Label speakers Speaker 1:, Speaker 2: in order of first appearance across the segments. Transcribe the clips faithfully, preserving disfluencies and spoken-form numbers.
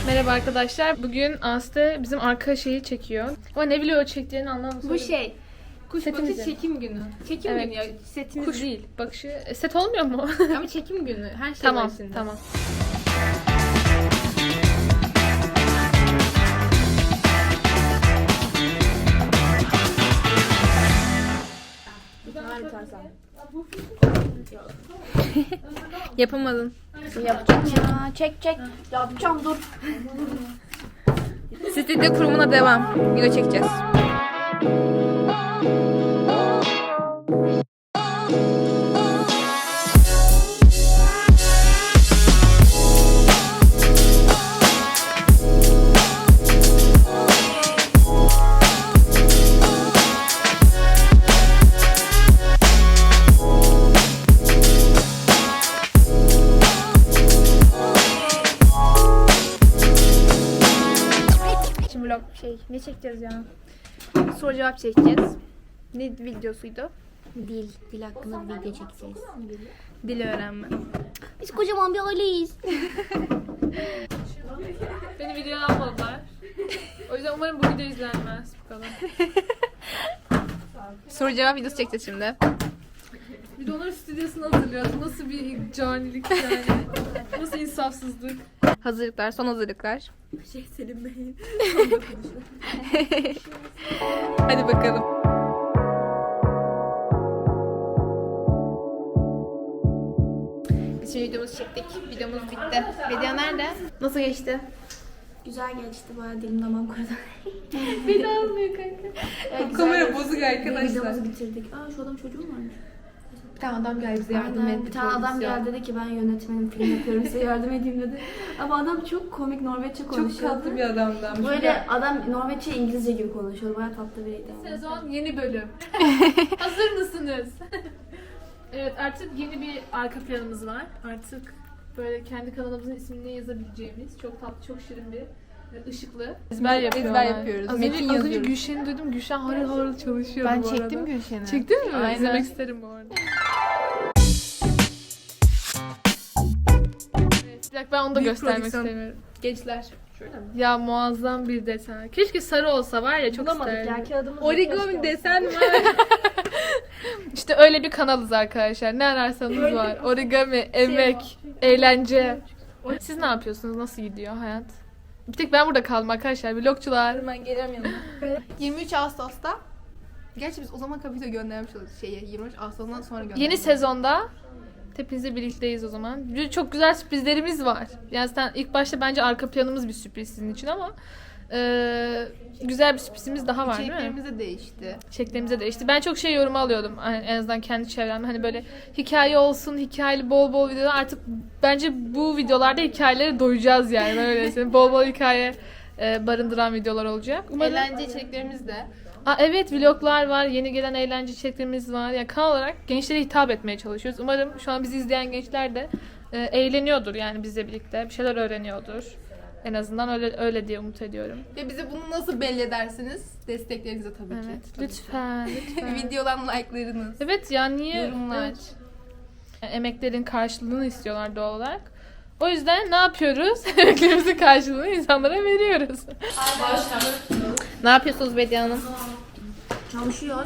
Speaker 1: Merhaba arkadaşlar. Bugün Aslı bizim arka şeyi çekiyor. Ama ne biliyor çektiğini anlamadım.
Speaker 2: Bu şey. Kuş
Speaker 1: Setimizi.
Speaker 2: bakışı çekim günü. Çekim
Speaker 1: Evet.
Speaker 2: günü ya. Setimiz
Speaker 1: Kuş
Speaker 2: değil.
Speaker 1: bakışı. E, set olmuyor mu?
Speaker 2: Ama çekim günü. Her şey
Speaker 1: Tamam,
Speaker 2: var içinde.
Speaker 1: tamam. Yapamadın.
Speaker 2: Yapacağım ya. Çek çek. Yapacağım dur.
Speaker 1: Stüdyo kurumuna devam. Video çekeceğiz. Şimdi vlog şey ne çekeceğiz ya? Soru cevap çekeceğiz. Ne videosuydu?
Speaker 2: Dil. Dil hakkında bir video çekeceğiz.
Speaker 1: Dil öğrenme.
Speaker 2: Biz kocaman bir aileyiz.
Speaker 1: Beni videoya almadılar. O yüzden umarım bu video izlenmez. Bu kadar. Soru cevap videosu çekeceğiz şimdi. Bir de onların stüdyosunu hazırlıyoruz. Nasıl bir canilik yani. Nasıl insafsızlık. Hazırlıklar, son hazırlıklar.
Speaker 2: Şey Selim Bey'in.
Speaker 1: Hadi bakalım. Biz şimdi videomuzu çektik. Videomuz bitti. Video nerede? Nasıl geçti?
Speaker 2: Güzel geçti. Bayağı dilim damağım kurudu.
Speaker 1: Bir daha almıyor kanka.
Speaker 2: Evet,
Speaker 1: Kamera bozuk arkadaşlar.
Speaker 2: Videomuzu bitirdik. Aa şu adam çocuğu mu varmış?
Speaker 1: Bir tane adam geldi bize yardım
Speaker 2: Aynen.
Speaker 1: etti.
Speaker 2: Bir tane adam geldi dedi ki ben yönetmenim, film yapıyorum, size yardım edeyim dedi. Ama adam çok komik Norveççe konuşuyordu.
Speaker 1: Çok tatlı bir adamdan.
Speaker 2: Böyle adam Norveççe İngilizce gibi konuşuyordu. Bayağı tatlı biriydi ama.
Speaker 1: Sezon yeni bölüm. Hazır mısınız? Evet, artık yeni bir arka planımız var. Artık böyle kendi kanalımızın ismini yazabileceğimiz çok tatlı, çok şirin bir ve ışıklı. Ezber yapıyorlar.
Speaker 3: Ezber yapıyoruz.
Speaker 1: Az
Speaker 3: Metin
Speaker 1: önce, az önce
Speaker 3: yazıyoruz.
Speaker 1: Gülşen'i duydum. Gülşen harıl harıl çalışıyordu
Speaker 3: Ben
Speaker 1: bu arada.
Speaker 3: çektim Gülşen'i.
Speaker 1: Çektin mi?
Speaker 3: Aynen.
Speaker 1: İzlemek isterim bu arada. Evet, bir dakika ben onu da
Speaker 3: Büyük
Speaker 1: göstermek
Speaker 3: prodüksiyon.
Speaker 1: istemiyorum.
Speaker 3: Gençler. Şöyle mi?
Speaker 1: Ya muazzam bir desen. Keşke sarı olsa var ya çok isterdim.
Speaker 2: kağıdımız
Speaker 3: Origami desen var.
Speaker 1: İşte öyle bir kanalız arkadaşlar. Ne ararsanız var. Origami, emek, eğlence. Siz ne yapıyorsunuz? Nasıl gidiyor hayat? Bir tek ben burada kaldım arkadaşlar. Vlogçular.
Speaker 3: Ben geleceğim yanına. yirmi üç Ağustos'ta. Gerçi biz o zaman kapito göndermiş oluruz şeye. yirmi üç Ağustos'tan sonra göndermiş.
Speaker 1: Yeni sezonda hepinizle birlikteyiz o zaman. Çok güzel sürprizlerimiz var. Yani zaten ilk başta bence arka planımız bir sürpriz sizin için ama e, güzel bir sürprizimiz daha var değil mi?
Speaker 3: İçeriklerimiz de değişti.
Speaker 1: Şeklimize de işte ben çok şey yorum alıyordum hani en azından kendi çevremde hani böyle hikaye olsun hikayeli bol bol videolar artık bence bu videolarda hikayelere doyacağız yani ben öyle söyleyeyim. Bol bol hikaye e, barındıran videolar olacak. Umarım...
Speaker 3: Eğlence içeriklerimiz de.
Speaker 1: Aa, evet vloglar var, yeni gelen eğlence içeriklerimiz var. Yani kanal olarak gençlere hitap etmeye çalışıyoruz. Umarım şu an bizi izleyen gençler de e, eğleniyordur yani bizle birlikte bir şeyler öğreniyordur. En azından öyle öyle diye umut ediyorum.
Speaker 3: Ve bize bunu nasıl belli edersiniz? Desteklerinize tabii ki.
Speaker 1: Evet,
Speaker 3: Tabii
Speaker 1: lütfen, lütfen.
Speaker 3: ki. Videodan like'larınız.
Speaker 1: Evet ya niye?
Speaker 3: Yorumlar.
Speaker 1: Evet. Yani emeklerin karşılığını istiyorlar doğal olarak. O yüzden ne yapıyoruz? Emeklerimizin karşılığını insanlara veriyoruz. Ne yapıyorsunuz Bediye Hanım?
Speaker 2: Çalışıyoruz.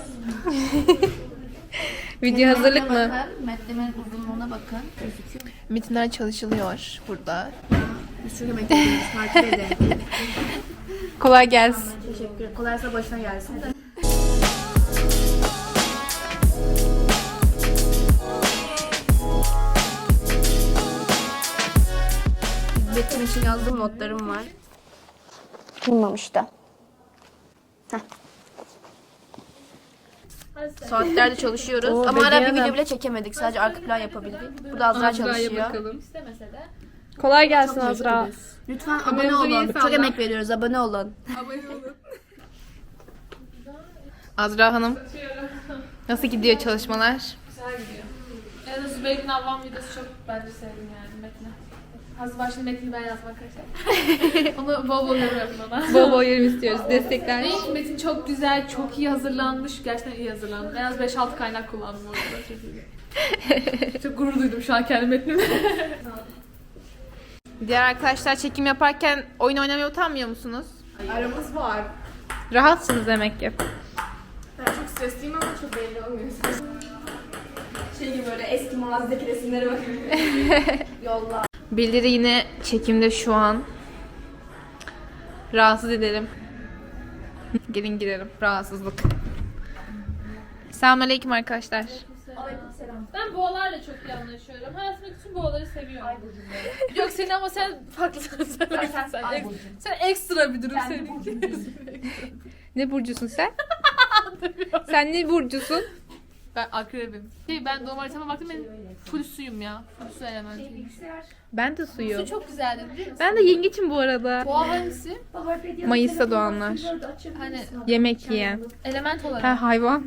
Speaker 1: Video hazırlık mı?
Speaker 2: Bakın, metnimin uzunluğuna bakın. Gözüküyor mu?
Speaker 3: Metinler çalışılıyor burada.
Speaker 2: Biz çok emek veriyoruz. Takip edin.
Speaker 1: Kolay gelsin.
Speaker 2: Teşekkür ederim. Kolaysa başına gelsin. Betim için yazdığım notlarım var. Bulmamış da. Saatlerde çalışıyoruz.
Speaker 1: Oo,
Speaker 2: Ama ara bir
Speaker 1: Bediye
Speaker 2: video
Speaker 1: Hanım.
Speaker 2: bile çekemedik. Sadece arka plan yapabildik. Burada Azra çalışıyor.
Speaker 1: Kolay gelsin
Speaker 2: Çok
Speaker 1: Azra.
Speaker 2: teşekkür ederiz. Lütfen abone
Speaker 1: Kameramızı
Speaker 2: olun.
Speaker 1: iyi
Speaker 2: Çok
Speaker 1: salla.
Speaker 2: emek veriyoruz. Abone olun.
Speaker 3: Azra Hanım. Nasıl gidiyor çalışmalar?
Speaker 1: Güzel gidiyor. En azından Zübeyir'in Avvam videosu çok bence sevdim yani Metin'e. Az başında Metin'i ben yazmak arkadaşlar. Onu bol bol yorum yapın ona.
Speaker 3: Bol bol yorum istiyoruz. Destekler.
Speaker 1: Değil ki Metin çok güzel, çok iyi hazırlanmış. Gerçekten iyi hazırlandım. En az beş altı kaynak kullandım orada. Çok iyi. Çok gurur duydum şu an kendi metnimle.
Speaker 3: Diğer arkadaşlar çekim yaparken oyun oynamaya utanmıyor musunuz?
Speaker 4: Aramız var.
Speaker 3: Rahatsınız demek ki.
Speaker 4: Ben çok stresliyim ama çok belli olmuyor. Şey gibi böyle eski mağazadaki resimlere bakıyorum. Yolla.
Speaker 3: Bildiri yine çekimde şu an. Rahatsız edelim. Gelin girelim. Rahatsızlık. Selamünaleyküm arkadaşlar.
Speaker 1: Ben boğalarla çok iyi anlaşıyorum. Hayatımdaki tüm boğaları seviyorum. Yok seni ama sen farklısın. Sen, sen, sen, ek- sen ekstra bir durum senin.
Speaker 3: Ne burcusun sen? Sen ne burcusun?
Speaker 1: Ben akrebim. Şey, ben doğum haritama baktım, ben full suyum ya. Full su elementi.
Speaker 3: Ben de suyum.
Speaker 1: Su çok güzeldi biliyor musun?
Speaker 3: Ben de yengeçim bu arada.
Speaker 1: Boğa hangisi?
Speaker 3: Mayıs'ta doğanlar.
Speaker 1: Hani
Speaker 3: Yemek yiyen.
Speaker 1: element olarak.
Speaker 3: Ha hayvan.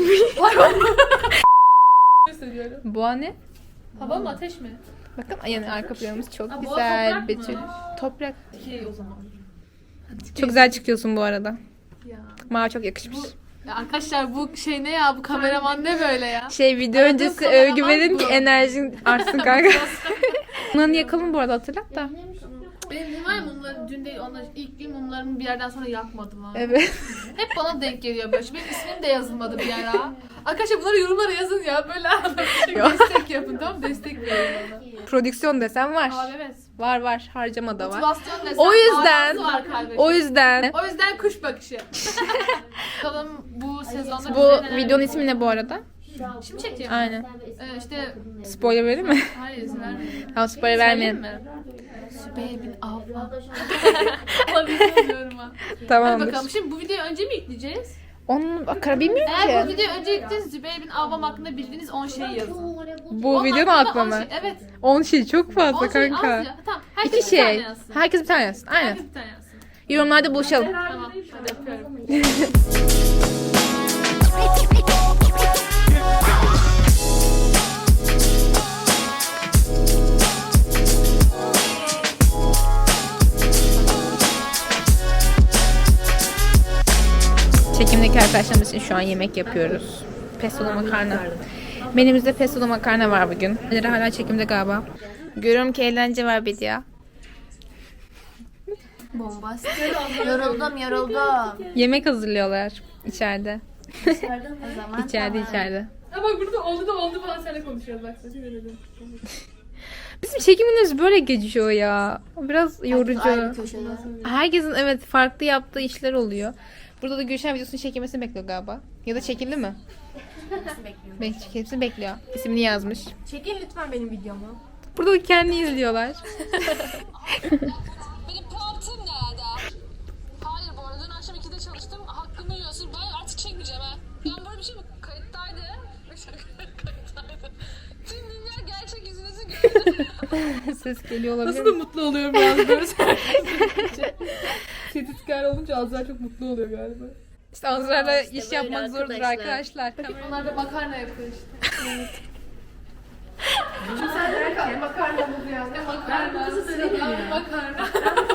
Speaker 1: Söylüyorum.
Speaker 3: Boğa ne?
Speaker 1: Hava mı ateş mi?
Speaker 3: Bakın yani arka planımız çok
Speaker 1: Ha, boğa
Speaker 3: güzel.
Speaker 1: toprak mı?
Speaker 3: Betül. Toprak.
Speaker 1: Okey o zaman.
Speaker 3: Çok güzel çıkıyorsun bu arada.
Speaker 1: Ya.
Speaker 3: Mavi çok yakışmış.
Speaker 1: Ya arkadaşlar bu şey ne ya, bu kameraman ne böyle ya?
Speaker 3: Şey video
Speaker 1: Aradığım
Speaker 3: öncesi
Speaker 1: kameraman
Speaker 3: övgü verin
Speaker 1: bu.
Speaker 3: ki enerjin artsın kanka. Bunları yakalım bu arada, hatırlat da.
Speaker 1: Benim mum var ya, mumları dün değil, onlar ilk gün mumlarımı bir yerden sonra yakmadım ha.
Speaker 3: Evet.
Speaker 1: Hep bana denk geliyor böyle. Benim ismim de yazılmadı bir ara. Arkadaşlar bunları yorumlara yazın ya, böyle
Speaker 3: Yok.
Speaker 1: destek yapın, tamam mı? Destek verin bana.
Speaker 3: Prodüksiyon desen var.
Speaker 1: Abi evet.
Speaker 3: Var var. Harcama da var.
Speaker 1: Motivasyon desen
Speaker 3: O yüzden-
Speaker 1: manası var kardeşim.
Speaker 3: O yüzden
Speaker 1: O yüzden kuş bakışı. Bakalım bu sezonda
Speaker 3: bu
Speaker 1: bize neler
Speaker 3: videonun
Speaker 1: yapacak?
Speaker 3: ismi ne bu arada?
Speaker 1: Şimdi çekeceğim.
Speaker 3: Aynen.
Speaker 1: Ee, işte
Speaker 3: Spoiler verir mi?
Speaker 1: hayır izin vermeyin.
Speaker 3: Tamam, spoiler
Speaker 1: Söyleyeyim
Speaker 3: vermeyelim.
Speaker 1: mi? Sübeyye bin Avva. Ama bilmiyorum ha. Hadi
Speaker 3: Tamamdır.
Speaker 1: bakalım. Şimdi bu videoyu önce mi yükleyeceğiz?
Speaker 3: Onun akara bilmiyorum
Speaker 1: Eğer bu
Speaker 3: ki.
Speaker 1: videoyu önce yükleyeceğiz, Zübeyir bin Avvam hakkında bildiğiniz on şeyi yazın.
Speaker 3: Bu
Speaker 1: Onun
Speaker 3: videonun
Speaker 1: hakkında
Speaker 3: aklı
Speaker 1: on
Speaker 3: mı?
Speaker 1: şey- Evet.
Speaker 3: on şey çok fazla
Speaker 1: on şey az
Speaker 3: kanka.
Speaker 1: ya. Tamam. Herkes
Speaker 3: İki
Speaker 1: bir tane
Speaker 3: şey.
Speaker 1: yazsın.
Speaker 3: Herkes bir tane yazsın. Aynen.
Speaker 1: Herkes bir tane yazsın.
Speaker 3: Yorumlarda buluşalım.
Speaker 1: Tamam. Hadi yapıyorum.
Speaker 3: Çekimdeki arkadaşlarımız için şu an yemek yapıyoruz. Pestolu makarna. Menümüzde pestolu makarna var bugün. Neleri hala çekimde galiba. Görüyorum ki eğlence var bir ya.
Speaker 2: Bombastik. Yoruldum yoruldum.
Speaker 3: Yemek hazırlıyorlar içeride.
Speaker 2: O zaman
Speaker 3: İçeride
Speaker 2: tamam.
Speaker 3: içeride.
Speaker 1: Ha bak burada oldu da oldu falan seninle konuşuyoruz bak. Sesi verelim.
Speaker 3: Bizim çekimimiz böyle geçiyor ya. Biraz yorucu.
Speaker 2: Ayrı köşede.
Speaker 3: Herkesin evet farklı yaptığı işler oluyor. Burada da Gülşen videosunu çekilmesini bekliyor galiba. Ya da çekildi mi? Bekliyor. Çekilmesini bekliyor. İsmini yazmış.
Speaker 4: Çekin lütfen benim videomu.
Speaker 3: Burada da kendi izliyorlar.
Speaker 5: Benim puantım nerede? Hayır bu arada dün akşam ikide çalıştım. Hakkımı yiyorsun. Ben artık çekmeyeceğim ha. Ben böyle bir şey mi? Kayıttaydı. Kayıttaydı. Tüm dünya gerçek yüzünüzü gördü.
Speaker 3: Ses geliyor olabilir.
Speaker 1: Nasıl da mutlu oluyorum yalnız böyle söyleyince. Tetikler olunca Azra çok mutlu oluyor galiba.
Speaker 3: İşte Azra'yla iş
Speaker 2: böyle
Speaker 3: yapmak zordur
Speaker 2: arkadaşlar.
Speaker 3: arkadaşlar.
Speaker 1: Onlar da makarna yapıyor işte.
Speaker 4: Makarna bu ya.
Speaker 1: Makarna. Makarna. Makarna.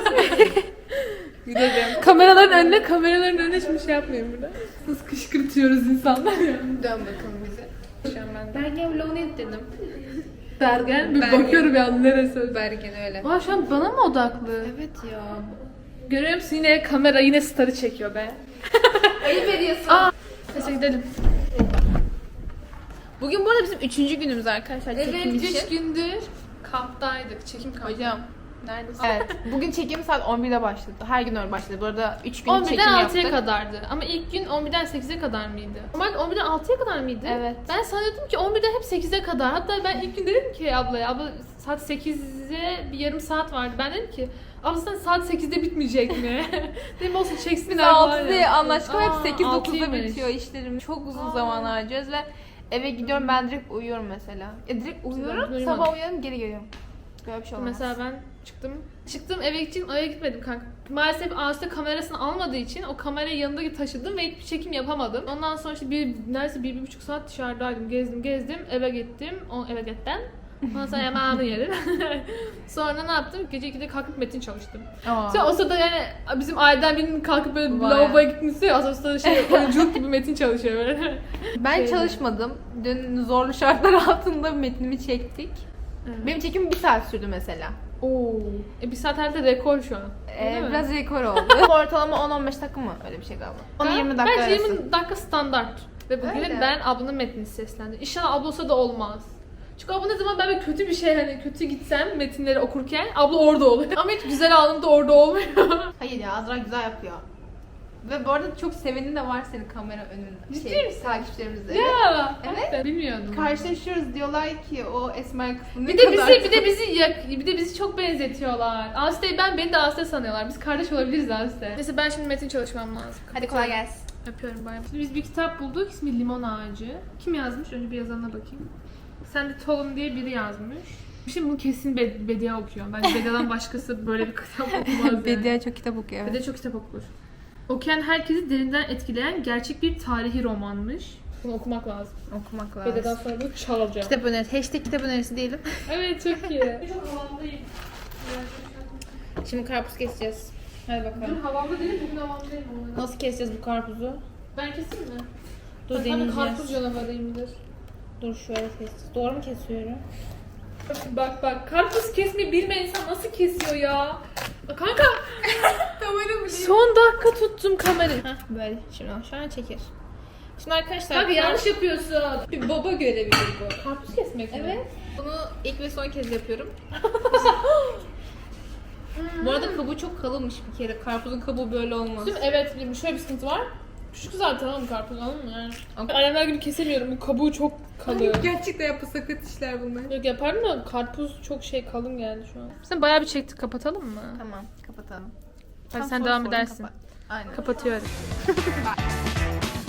Speaker 1: Kameraların önüne, kameraların önüne şimdi şey yapmayın burada. Nasıl kışkırtıyoruz insanlar ya.
Speaker 3: Dön bakalım bize. Şu an ben Bergen vlogunu dedim.
Speaker 1: Bergen, bir
Speaker 3: Bergen.
Speaker 1: bakıyorum ya neresi.
Speaker 3: Bergen öyle.
Speaker 1: Aa şu an bana mı odaklı?
Speaker 3: Evet ya.
Speaker 1: Görüyor musun, yine kamera yine starı çekiyor be.
Speaker 4: Ayıp ediyorsun.
Speaker 1: Aa, neyse gidelim.
Speaker 3: Bugün bu arada bizim üçüncü günümüz arkadaşlar. çekim
Speaker 1: Evet,
Speaker 3: için.
Speaker 1: üç gündür kamptaydık, çekim kampı.
Speaker 3: Hocam neredesin? Evet. Bugün çekim saat on birde başladı. Her gün öyle başladı. Bu arada üç gün
Speaker 1: on
Speaker 3: çekim
Speaker 1: birden
Speaker 3: yaptık.
Speaker 1: altıya kadardı. Ama ilk gün on birden sekize kadar mıydı? Normalde on birden altıya kadar mıydı?
Speaker 3: Evet.
Speaker 1: Ben sanıyordum ki on birden hep sekize kadar. Hatta ben ilk gün dedim ki ablaya, abla saat sekize bir yarım saat vardı. Ben dedim ki abla sen saat sekizde bitmeyecek mi? Dedim olsun çeksinler
Speaker 3: Biz
Speaker 1: var
Speaker 3: altıda
Speaker 1: ya.
Speaker 3: anlaştık ama hep
Speaker 1: Aa,
Speaker 3: sekiz dokuzda
Speaker 1: altıymış.
Speaker 3: bitiyor işlerim. Çok uzun zaman harcıyoruz ve eve gidiyorum, ben direkt uyuyorum mesela. E direkt uyuyorum,
Speaker 1: uyumadım.
Speaker 3: sabah uyanıyorum, geri geliyorum. Böyle bir şey olmaz.
Speaker 1: Mesela ben çıktım. Çıktım eve gideceğim, eve gitmedim kanka. Maalesef Ağustos'ta kamerasını almadığı için o kamerayı yanında taşıdım ve hiçbir çekim yapamadım. Ondan sonra işte bir, neredeyse bir, bir buçuk saat dışarıdaydım. Gezdim gezdim, eve gittim. O, eve gittim. Ondan sonra yemeğimi yedim. Sonra ne yaptım? Gece ikide kalkıp metin çalıştım.
Speaker 3: Aa.
Speaker 1: Sonra o sırada yani bizim aileden birinin kalkıp böyle
Speaker 3: Vay.
Speaker 1: lavaboya gitmesi ya. O sırada şey oyunculuk gibi metin çalışıyor böyle.
Speaker 3: Ben
Speaker 1: Şey-
Speaker 3: çalışmadım. Dün zorlu şartlar altında metnimi çektik.
Speaker 1: Evet.
Speaker 3: Benim çekimim bir saat sürdü mesela.
Speaker 1: Oo. E bir saat herhalde rekor şu an.
Speaker 3: Ee,
Speaker 1: Değil mi?
Speaker 3: biraz rekor oldu. Ortalama on on beş dakika mı? Öyle bir şey galiba. on yirmi dakika
Speaker 1: Bence
Speaker 3: arası.
Speaker 1: yirmi dakika standart. Ve bugün
Speaker 3: Öyle.
Speaker 1: ben ablanın metnini seslendim. İnşallah abla olsa da olmaz. Çünkü abla ne zaman ben böyle kötü bir şey hani kötü gitsem metinleri okurken abla orada oluyor. Ama hiç güzel anında orada olmuyor.
Speaker 3: Hayır ya Azra güzel yapıyor. Ve bu arada çok seveni de var senin kamera önünde.
Speaker 1: Ciddi
Speaker 3: Şey,
Speaker 1: misin?
Speaker 3: takipçilerimizde.
Speaker 1: ya.
Speaker 3: Evet.
Speaker 1: Ben bilmiyordum.
Speaker 3: Karşılaşıyoruz diyorlar ki o esmer kısmı ne
Speaker 1: Bir de
Speaker 3: kadar
Speaker 1: bizi bir de bizi yak- bir de bizi çok benzetiyorlar. Aste'yi ben beni de Aste sanıyorlar. Biz kardeş olabiliriz Aste. Neyse ben şimdi metin çalışmam lazım.
Speaker 3: Hadi kolay gelsin.
Speaker 1: Öpüyorum bay bay. Şimdi biz bir kitap bulduk. İsmi Limon Ağacı. Kim yazmış? Önce bir yazanına bakayım. Sandy Tollum diye biri yazmış. Şimdi bunu kesin Be- Bedia okuyor. Bence Bedia'dan başkası böyle bir kitap okumaz yani.
Speaker 3: Bedia çok kitap okuyor. Evet.
Speaker 1: Bedia çok kitap okur. Okuyan herkesi derinden etkileyen gerçek bir tarihi romanmış. Bunu okumak lazım.
Speaker 3: Okumak
Speaker 1: Bedia'dan
Speaker 3: lazım.
Speaker 1: sonra bunu çalacağım.
Speaker 3: Kitap önerisi. Hashtag kitap önerisi diyelim.
Speaker 1: Evet çok iyi. Çok havamdayım.
Speaker 3: Şimdi karpuz keseceğiz. Hadi
Speaker 1: Bugün
Speaker 3: bakalım.
Speaker 1: havamda değilim, bugün havamdayım. ama.
Speaker 3: Nasıl keseceğiz bu karpuzu?
Speaker 1: Ben keseyim mi?
Speaker 3: Dur
Speaker 1: Ben de
Speaker 3: deneyeceğiz.
Speaker 1: karpuz canavarıyımdır.
Speaker 3: Dur şöyle keseceğiz. Doğru mu kesiyorum?
Speaker 1: Bak bak karpuz kesmeyi bilmeyen insan nasıl kesiyor ya? Aa, Kanka
Speaker 3: Kamera mı?
Speaker 1: son dakika tuttum kamerayı.
Speaker 3: Hah böyle. Şimdi şu an çekir. Şimdi arkadaşlar.
Speaker 1: Kanka yanlış yapıyorsun.
Speaker 3: bir baba görevi bu.
Speaker 1: Karpuz kesmek mi?
Speaker 3: Evet. Bunu ilk ve son kez yapıyorum. Bu arada kabuğu çok kalınmış bir kere. Karpuzun kabuğu böyle olmaz.
Speaker 1: Değil mi? Evet, şöyle bir sıkıntı var. Küçük zaten oğlum karpuz anladın mı yani? Annemler gibi kesemiyorum. Bu kabuğu çok kalın.
Speaker 3: Gerçekten yapı sakat işler bunlar.
Speaker 1: Yok yaparım da karpuz çok şey kalın geldi şu an. Sen bayağı bir çektik, kapatalım mı?
Speaker 3: Tamam kapatalım.
Speaker 1: Hadi
Speaker 3: Tam
Speaker 1: sen
Speaker 3: soru
Speaker 1: devam
Speaker 3: sorun,
Speaker 1: edersin.
Speaker 3: kapat. Aynen.
Speaker 1: Kapatıyorum.